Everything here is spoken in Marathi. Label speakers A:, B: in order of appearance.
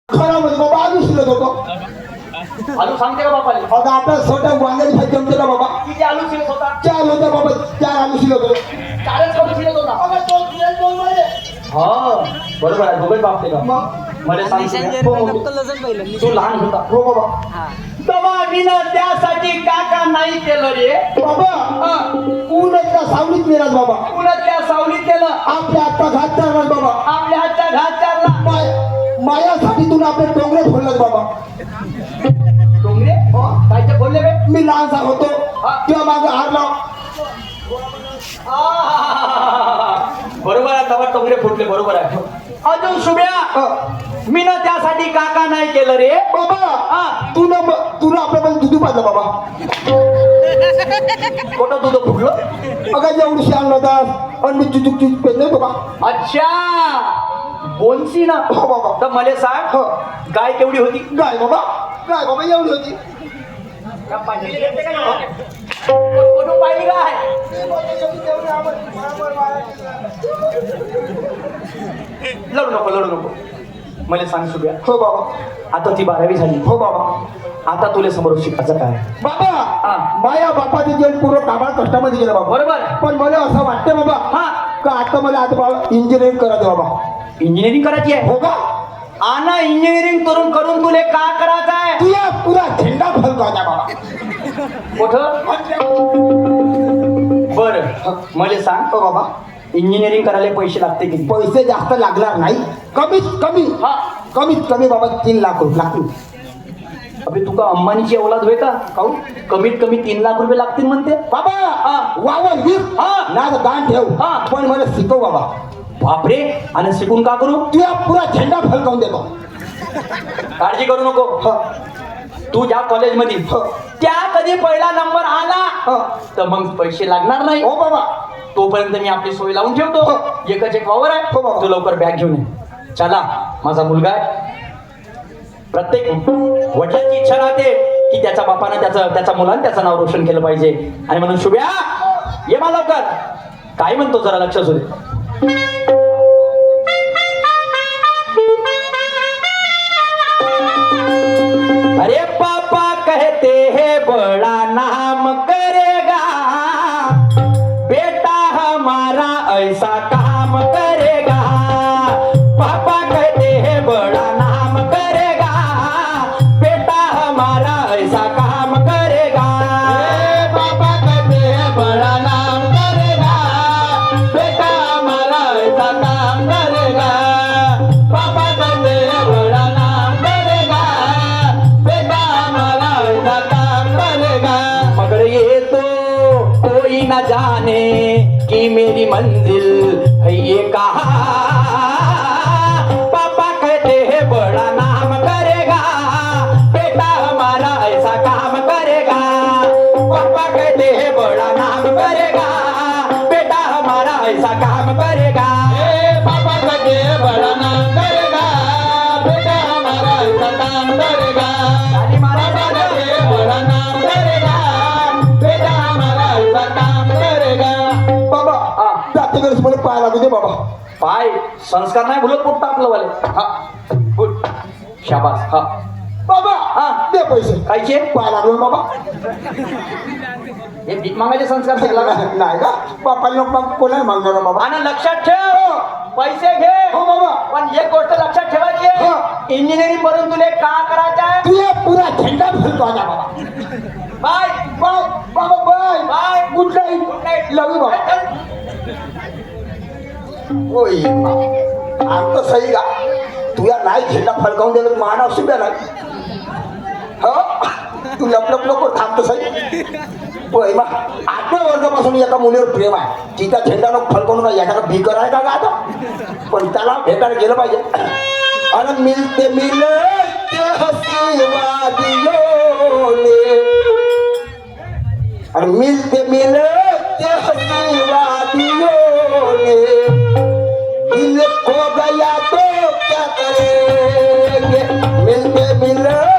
A: खरं म्हणजे बाबा आलू शिलत होतो.
B: आलू सांगते का बापाले?
A: आता आपल्या छोट्या वांग्याची भाजी जमते का बाबा?
B: किती आलू शिरत होता?
A: 4 होते बाबा, 4 आलू शिलत होते.
B: चारच करून शिरत होता. हा बरोबर आहे. दोघे बाप ते का? मला सांग तू लहान होता.
A: हो बाबा.
B: तेव्हा मी ना त्यासाठी काका नाही केलं रे
A: बाबा उन्हाच्या सावलीत मिळाल बाबा.
B: पुन्हा त्या सावलीत केलं.
A: आपल्या आता घात चालणार बाबा.
B: आपल्या हातचा घात चालला.
A: मायासाठी तुला आपले डोंगरे फोडलं बाबा.
B: डोंगरे कायचे बोलले बे?
A: मी लहानसा होतो तेव्हा माझा हार लाव.
B: बरोबर आहे. तेव्हा डोंगरे फुटले. बरोबर आहे. अजून शुभ्या मी ना त्यासाठी काका नाही केलं रे
A: बाबा. तुला आपल्यामध्ये दुधू पाहिजे बाबा.
B: कोणतं दूध फुटलं?
A: अगं एवढी आणलं होता आणि मी चुचूक पेरले बाबा.
B: अच्छा बोनसी ना.
A: हो बाबा.
B: तर मला सांग गाय केवढी होती?
A: गाय बाबा एवढी होती.
B: कुठून पाहिली गाय? लढू नको मला सांग शुभ्या.
A: हो बाबा.
B: आता ती 12वी झाली.
A: हो बाबा.
B: आता तुला समोर शिकायचं काय?
A: बाबा माया बापाचे जीवन पूर्ण कामात कष्टामध्ये गेलं बाबा.
B: बरोबर.
A: पण मला असं वाटतं बाबा का आता मला आता बाबा इंजिनिअरिंग करायचं बाबा.
B: इंजिनिअरिंग करायची आहे?
A: हो का?
B: आना इंजिनिअरिंग करून तुले का करायचं आहे?
A: तुझ्या पुरा झेंडा फलकायचा बाबा.
B: कुठं? बरं मला सांग
A: हो बाबा.
B: इंजिनिअरिंग करायला पैसे लागते किती?
A: पैसे जास्त लागणार नाही. कमीत कमी बाबा 3 लाख रुपये लागतील.
B: अबे तुका अंबानीची औलाद होय का? काहून कमीत कमी 3 लाख रुपये लागतील म्हणते
A: बाबा. वावर वीर ना दान ठेव पण मला शिकव बाबा.
B: बापरे. आणि शिकून का करू?
A: तुझ्या पुरा झेंडा फलकावून देतो.
B: काळजी करू नको. तू ज्या कॉलेजमध्ये त्या कधी पहिला नंबर आला तर मग पैसे लागणार नाही.
A: हो बाबा.
B: तोपर्यंत मी आपली सोय लावून ठेवतो. एकच एक वावर आहे.
A: हो बाबा.
B: तू लवकर बॅग घेऊन ये. चला माझा मुलगा आहे. प्रत्येक वडिलांची इच्छा राहते की त्याच्या बापानं त्याच्या मुलानं त्याचं नाव रोशन केलं पाहिजे. आणि म्हणून शुभ्या ये मा लवकर. काय म्हणतो जरा लक्ष असू दे. अरे पापा कहते हैं बड़ा नाम करेगा, बेटा हमारा ऐसा काम करेगा. पापा कहते हैं बड़ा नाम करेगा, बेटा हमारा ऐसा काम करेगा. पापा कहते हैं बड़ा नाम करेगा, बेटा हमारा ऐसा काम करेगा. पापा कहते हैं बड़ा नाम करेगा, बेटा हमारा ऐसा काम करेगा. मगर ये तो कोई न जाने कि मेरी मंजिल है ये कहाँ. पापा कहते हैं बड़ा नाम करेगा, बेटा हमारा ऐसा काम करेगा. पापा कहते हैं बड़ा नाम करेगा, बेटा हमारा ऐसा काम करेगा. पापा कहते हैं बड़ा नाम करेगा, बेटा हमारा ऐसा काम करेगा. पापा कहते हैं बड़ा नाम करेगा, बेटा हमारा ऐसा काम करेगा.
A: बाबा जाते वेळेस मला पाय लागू दे बाबा.
B: पाय संस्कार नाही भुलत पोट्टा आपलं वाले. हा गुड शाबास. हा
A: बाबा दे पैसे.
B: कायचे?
A: पाय लागलो बाबा.
B: हे भीक मागायचे संस्कार शिकला का?
A: नाही का बापाला लोक कोणाला मागणार बाबा.
B: आणि लक्षात ठेव पैसे घे.
A: हो बाबा.
B: पण एक गोष्ट लक्षात ठेवायची आहे. इंजिनिअरिंग करून तुले का करायचं आहे?
A: तुझ्या पुरा झेंडा फलकायचा बाबा.
B: बाय
A: बाबा bye
B: bye.
A: Good night. Love you बाबा. होय आमचं सही का तुझ्या नाही झेंडा फडकावून दिलं मान असू द्या नाही. हो तू लपलप नको थांबतो सही. होय मा 8व्या वर्गापासून एका मुलीवर प्रेम आहे. तिचा झेंडा नको फडकावून का याचा भीकर आहे का आता. पण त्याला भेटायला गेलं पाहिजे. आणि मिलते मिलते हसी वादियों ने, और मिलते मिलते हसी वादियों ने, दिल खो गया तो क्या करेंगे. मिलते मिलते